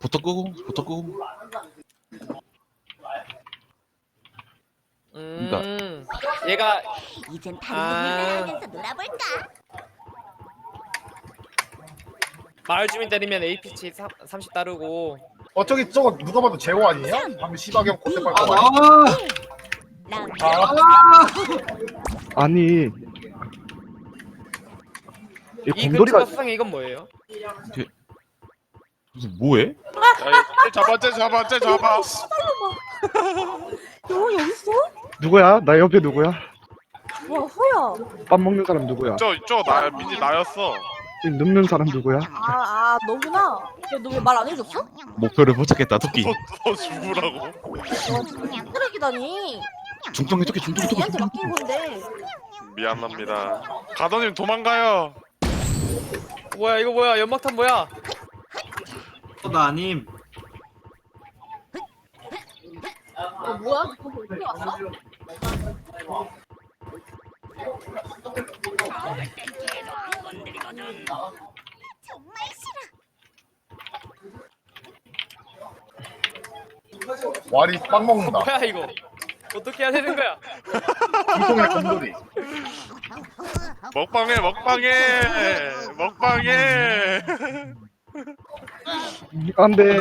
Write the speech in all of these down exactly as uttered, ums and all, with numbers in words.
부터 끄고 부터 끄고. 음, 얘가 이젠 다른 아. 얘기를 하면서 놀아볼까? 마을 주민 때리면 에이피치 삼십 따르고. 어 저기 저거 누가 봐도 제호 아니에요? 방금 시바경 코테팔 거 아, 라운드 아, 아니 이 이 곰돌이가 근처 수상해 이건 뭐예요? 무슨 뭐해? 야, 잡아, 쟤 잡아, 쟤 잡아. 너 여기 있어? 누구야? 나 옆에 누구야? 와 호야. 밥 먹는 사람 누구야? 저, 저 나, 민지 나였어. 이 눕는 사람 누구야? 아, 아 너구나. 너 왜 말 안 해줬어? 목표를 포착했다 토끼. 너, 너 죽으라고. 와 쓰레기다니. 중통이 토끼 중통이 토끼. 얘한테 맡긴 건데. 미안합니다. 가더님 도망가요. 뭐야 이거 뭐야 연막탄 뭐야? 어, 나 아님. 어 뭐야? 너 어떻게 왔어? 정말 싫어. 와리 빵 먹는다. 뭐야 이거? 어떻게 해야 되는 거야? 이동의 곰돌이. 먹방해, 먹방해, 먹방해. 안돼.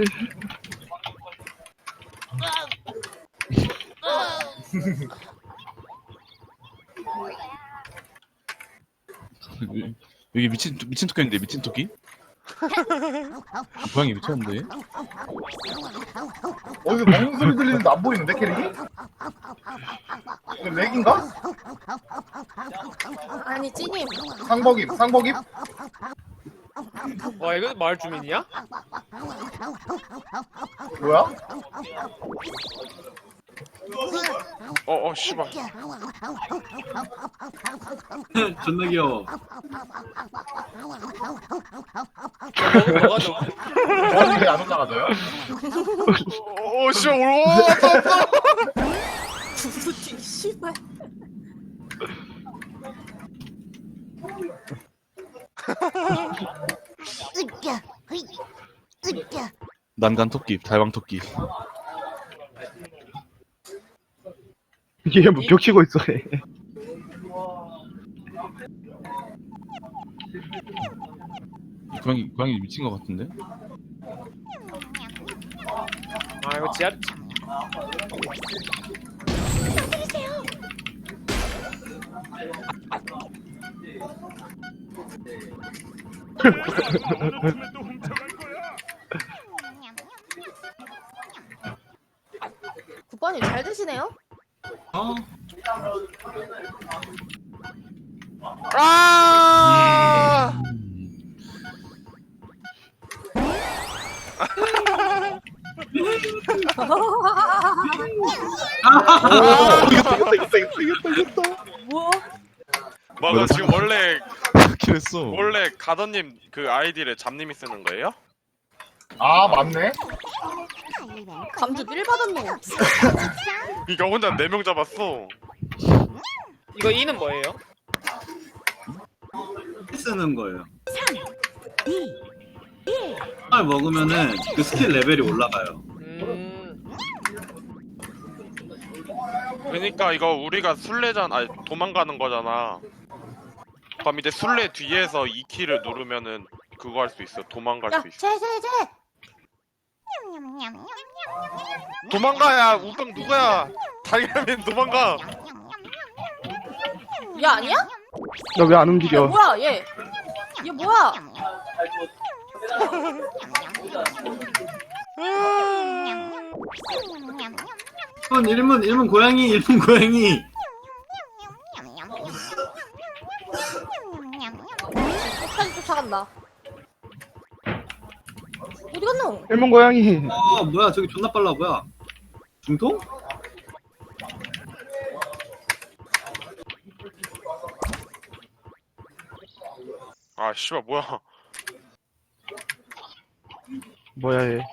여기 미친 미친 토끼인데 미친 토끼? 고양이 미쳤는데? 어디서 먹는 소리 들리는데 안 보이는데 캐릭이? 이거 렉인가? 아니 찌님. 상복입 상복입? 와 이거 마을 주민이야? 뭐야? 어, 어, 씨발. 존나 귀여워. 먹으면 뭐가 좋아? 머리 왜안 올라가져요? 어, 어, 씨발, 올, 와, 왔다, 왔다. 구두티 씨발. 으쌰, 으이, 으쌰. 난간 토끼, 달방 토끼. 얘 뭐 벽 치고 있어. 얘. 이 고양이 고양이 미친 것 같은데? 아 이거 지하 국밥님 잘 드시네요? 어? 아! 이겼다 이겼다 이겼다 이겼다 이겼다. 뭐? 맞아, 지금 원래, 킬했어. 원래 가더님 그 아이디를 잡님이 쓰는 거예요? 아 맞네. 감주 삘 받았네. 그니까 혼자 네 명 잡았어. 이거 이는 뭐예요? 쓰는 거예요. 을 먹으면은 그 스킬 레벨이 올라가요. 음 그러니까 이거 우리가 술래잖아, 아니 도망가는 거잖아. 그럼 이제 술래 뒤에서 이 키를 누르면은 그거 할 수 있어. 도망갈 야, 수 있어. 쟤, 쟤, 쟤. 도망가야. 우병 누구야? 달걀맨 도망가. 얘 아니야? 나 왜 안 야, 움직여? 뭐야, 얘. 얘 뭐야? 일 분 일문 일문 고양이 일문 고양이. 끝까지 쫓아간다. 어디 갔노? 일본 고양이. 어 뭐야 저기 존나 빨라 뭐야? 중통? 아 씨발 뭐야? 뭐야 얘?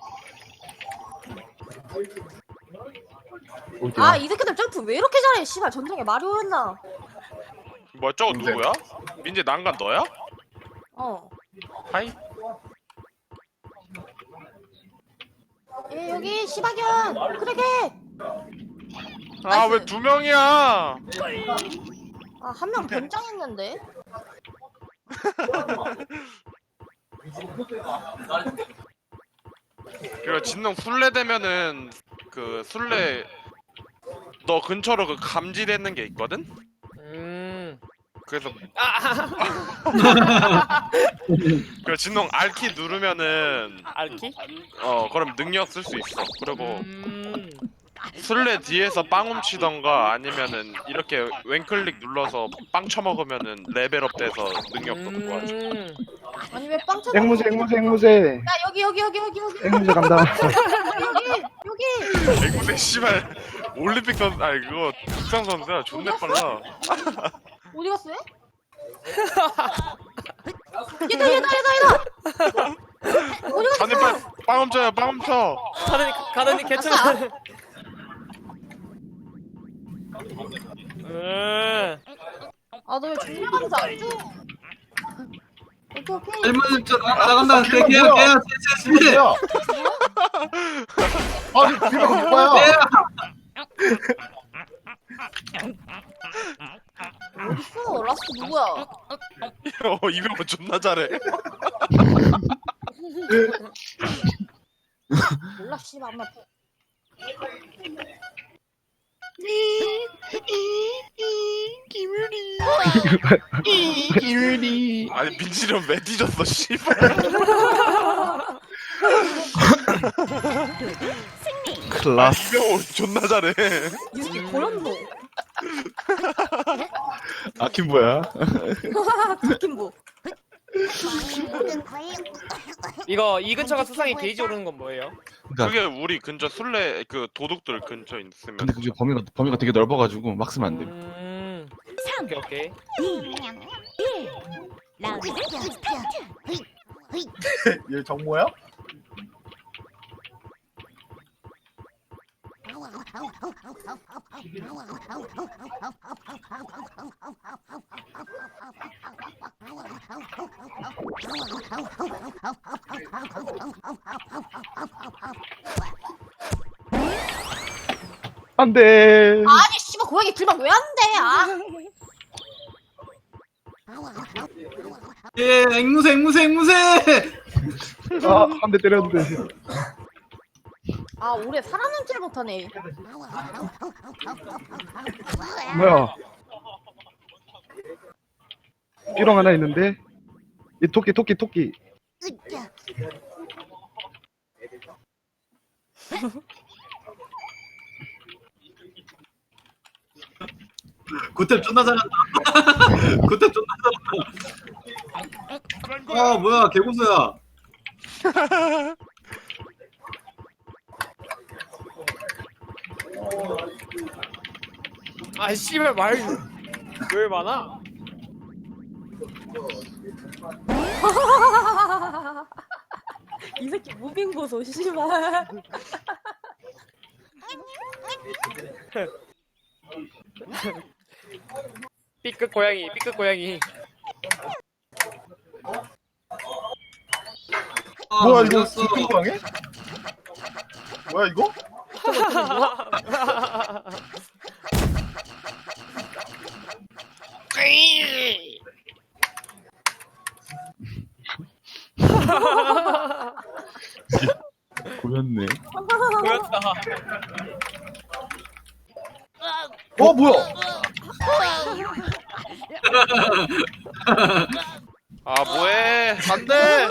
어디야? 아, 이 새끼들 점프 왜 이렇게 잘해? 씨발, 전쟁에 마리오였나? 뭐야 저거 민재. 누구야? 민재 난간 너야? 어. 하이. 예 여기 시바견 그러게. 아 왜 두 명이야? 아 한 명 변장했는데. 그리고 진농 술래 되면은 그 술래 너 근처로 그 감지되는 게 있거든? 음. 그래서 아, 그 진농 R키 누르면은 알키? 어 그럼 능력 쓸 수 있어. 그리고 음. 술래 뒤에서 빵 훔치던가 아니면은 이렇게 왼클릭 눌러서 빵 쳐먹으면은 레벨업 돼서 능력도 좋아져. 음. 아니 왜 빵 쳐먹어? 앵무새 앵무새 앵무새 야 여기 여기 여기 여기 여기 앵무새 간다. 여기 여기. 앵무새 씨발 올림픽 선 아니 그거 국상 선수야 존나 빨라. 어디 갔어? 얘? 얘다 얘다 얘다 얘다. 어디 갔어? 아니 빨리 빵 훔쳐요 빵 훔쳐. 가든이 가든이 괜찮아. 음. 아너 왜 중요한지 안 줘? 오케이 오케이. 일문 저 나간다. 걔 걔 걔야 뭐야? 걔야 쟤 쟤. 뭐야? 아니 뒤가 누구야? 어딨어? 라스트 누구야? 어 이병헌 존나 잘해. 몰라 씨발 엄마. 기울이. 아니 민지령 왜 뒤졌어 씨발. 클라스. 이병헌 존나 잘해. 이 새끼 고연도. 아킴 뭐야? 김부. 모든 거예요. 이거 이 근처가 수상에 게이지 오르는 건 뭐예요? 그러니까 그게 우리 근처 술래 그 도둑들 근처 있으면 근데 그게 범위가 범위가 되게 넓어가지고 막 쓰면 안 돼. 음. 삼, 오케이 오케이. 이, 일. 라운드 스타트. 으이, 으이. 얘 정모야? 안돼. 아니 씨발 고양이 불만 왜 안 돼? 아. 예 앵무새 앵무새 앵무새. 아한 대 때렸는데. 아 올해 살아남질 못하네. 뭐야? 삐롱 하나 있는데. 이 토끼 토끼 토끼. 으쌰. 고탭 존나 잘한다. 고탭 존나 잘한다. 아 뭐야 개고수야. 아 씨발 말 왜 많아? 이 새끼 무빙 보소 씨발. 삐끗 고양이 삐끗 고양이. 아, 뭐야 이거 이겼어. 두꺼운 방에? 뭐야 이거? 보였네. 보였다. 어 뭐야? 아 뭐해? 안돼.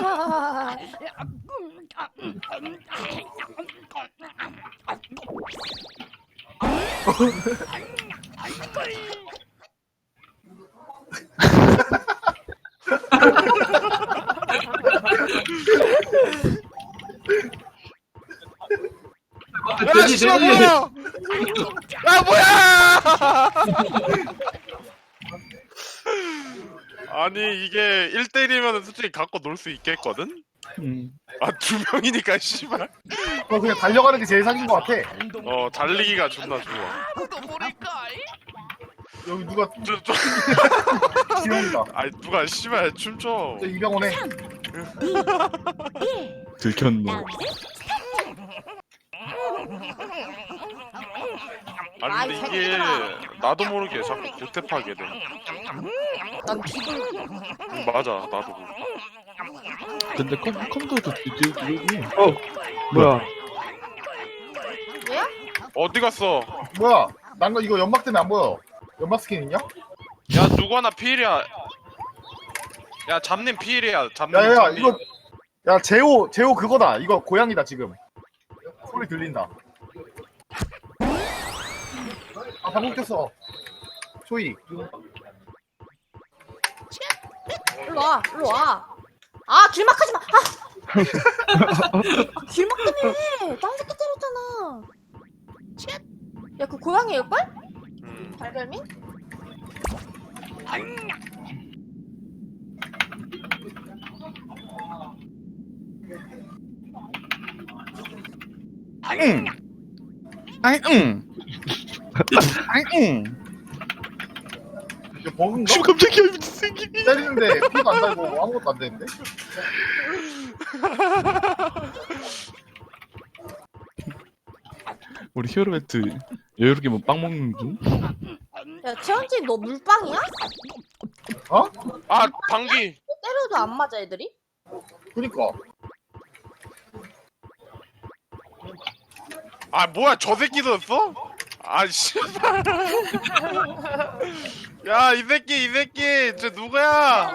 돼지 돼지. 아 뭐야? 아니 이게 일 대일이면 솔직히 갖고 놀 수 있겠거든? 음. 아 두 명이니까 씨발. 어 그냥 달려가는 게 제일 사기인 것 같아. 어 달리기가 존나 좋아. 여기 누가 저, 저, 지원이다. 아니 누가 씨발 춤춰. 저 이병헌에 들켰네. 라운드 아니 아이, 근데 이게 새끼들아. 나도 모르게 자꾸 고탭하게 돼. 난 비글. 응, 맞아 나도. 근데 컴, 컴퓨터도 뒤지고. 어 뭐야? 왜야? 어디 갔어? 뭐야? 난 거 이거 연막 때문에 안 보여. 연막 스킨 있냐? 야 누구 하나 피일이야. 야 잡님 피일이야. 잡님. 야야야 잡님. 이거 야 제호 제호 그거다. 이거 고양이다 지금. 소리 들린다. 아 방금 꼈어. 초이. 일로 와, 일로 와. 아, 길막하지 마. 아, 아 길막 때문에 딴 새끼 때렸잖아. 야, 그 고양이일걸? 음. 발별미? 응. 아이, 응. 아이, 응. 이거 버그인가? 씨 깜짝이야 미친 새끼. 때리는데 피도 안 달고 아무것도 안 되는데? 우리 히어로매트 여유롭게 뭐 빵 먹는 중? 야, 채원지 너 물빵이야? 어? 아 방귀. 때려도 안 맞아, 애들이? 그니까. 아 뭐야 저 새끼도였어? 아 씨발. 야 이 새끼 이 새끼 저 누구야?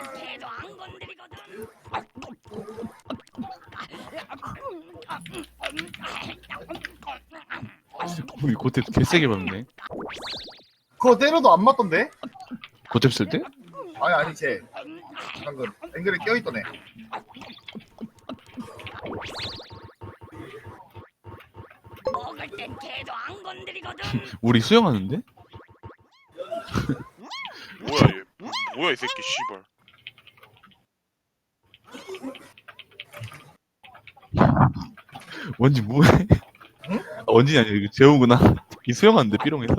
우리 고탭 개세게 밟네. 그거 때려도 안 맞던데? 고탭 쓸 때? 아니 아니 쟤 방금 앵글에 껴있던 애. 우리 수영하는데? 뭐야 얘? 뭐야 이 새끼 씨발. 원지 뭐해? 응? 아, 원진이 아니야 이거 재호구나. 이 수영하는데 삐롱에서?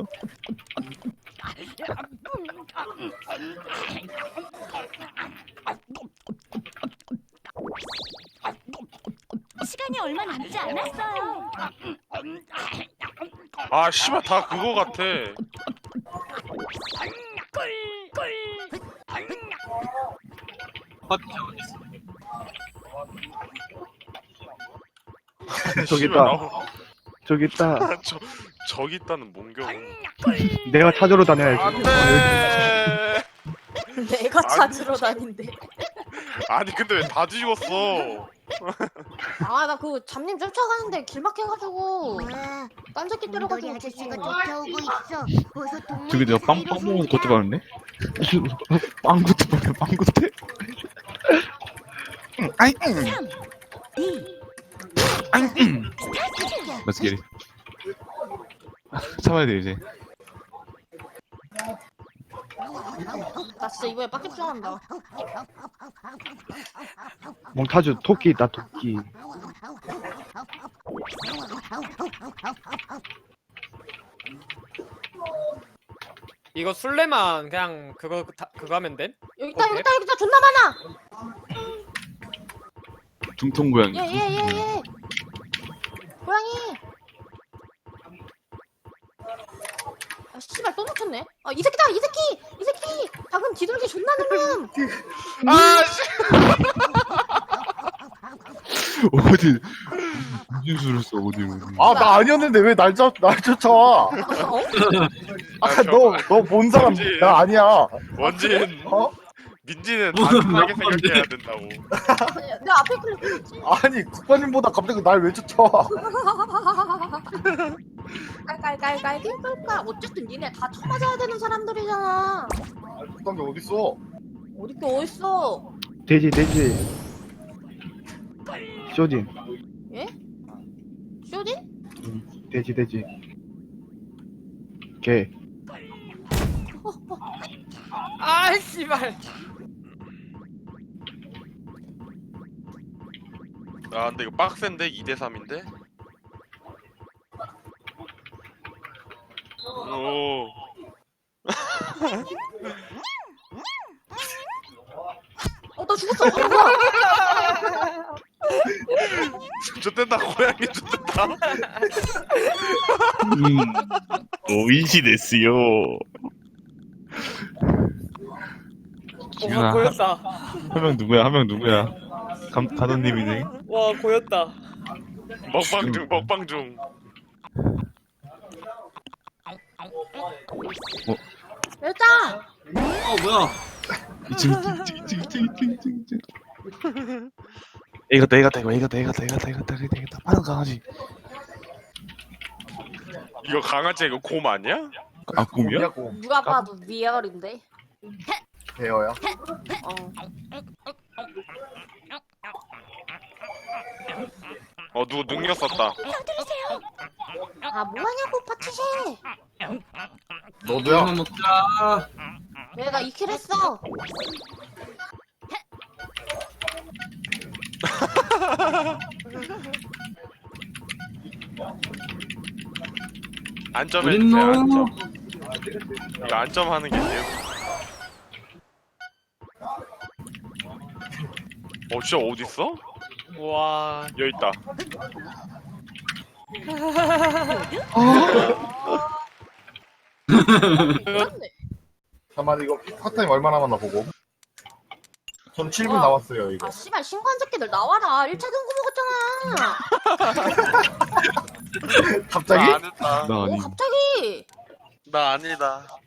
시간이 얼마 남지 않았어요. 아 씨발 다 그거 같아. 저기 씨발, 있다. 나오- 저기 있다. 저 저기 있다는 몽경. 내가 찾으러 다녀야지. 안돼. 내가 찾으러 다닌대. 아니 근데 왜 다 죽었어? 아, 나 그 잡님 쫓아가는데 길막해가지고 와, 딴 새끼 곰돌이 때려가지고 아저씨가 죽은 쫓아오고 있어. 어서 동물 저기 내가 빵, 빵 먹어서 고탭 밟네? 빵 고탭 밟네 빵 고탭? 응, 아이 응. 아이 응. Let's get it. 참아야 돼 이제. 나 진짜 이번에 빡 집중한다. 몽타주 토끼 있다 토끼. 이거 술래만 그냥 그거 다, 그거 하면 돼? 여기 있다, 여기 있다, 여기 있다. 존나 많아. 중통 고양이. 예, 예, 예, 예. 고양이. 아, 씨발 또 놓쳤네. 아, 이 새끼다, 이 새끼, 이 새끼. 방금 뒤돌기 존나 누름. 아 씨. 어디 무슨 수를 써 어디 어디. 아 나 아니었는데 왜 날 쫓, 날 쫓아와? 어? 아까 너너 본 사람 그치. 나 아니야. 원진 어? 민지는 단순하게 생각해야 된다고. 내가 앞에 클릭했지. 아니 국가님보다 갑자기 날 왜 쫓아와? 깔깔깔깔 깔깔깔. 어쨌든 니네 다 쳐맞아야 되는 사람들이잖아. 그딴 게 어딨어? 어디 게 어딨어? 돼지 돼지. 쇼진. 예? 쇼딘? 돼지 돼지. 개. 아 씨발. 아 근데 이거 빡센데 이 대 삼인데? 오. 어, 나 죽었어. 어, 뭐야? 좋댔다 고양이 좋댔다. 음, 오이시 데스요. 지훈아, 와 고였다. 한 명 누구야? 한 명 누구야? 감, 가도님이네. 와 고였다. 먹방 중 먹방 중. 일단 어 뭐야? 이층, 이층, 이층, 이층, 이층, 이층, 이층. 이겼다, 이겼다, 이거 이겼다, 이겼다, 이겼다, 이겼다, 이겼다, 이겼다. 빠른 강아지. 이거 강아지 이거 곰 아니야? 아, 꿈이야? 곰. 누가 봐도 리얼인데. 배어야. 어. 어 누구 능력 썼다. 아 뭐하냐고 파티쉐. 너도야. 한번 먹자. 내가 이 킬 했어. 안점해 주세요. 어딨노? 안점. 이거 안점 하는 게 돼요. 어 진짜 어디 있어? 와 여기 있다. 잠깐만 이거 파타임 얼마 남았나 보고. 전 칠 분 와. 남았어요 이거. 아 씨발 신고한 새끼들 나와라. 일 차 경고 먹었잖아. 갑자기? 나 안 했다. 나 오 아니. 갑자기. 나 아니다.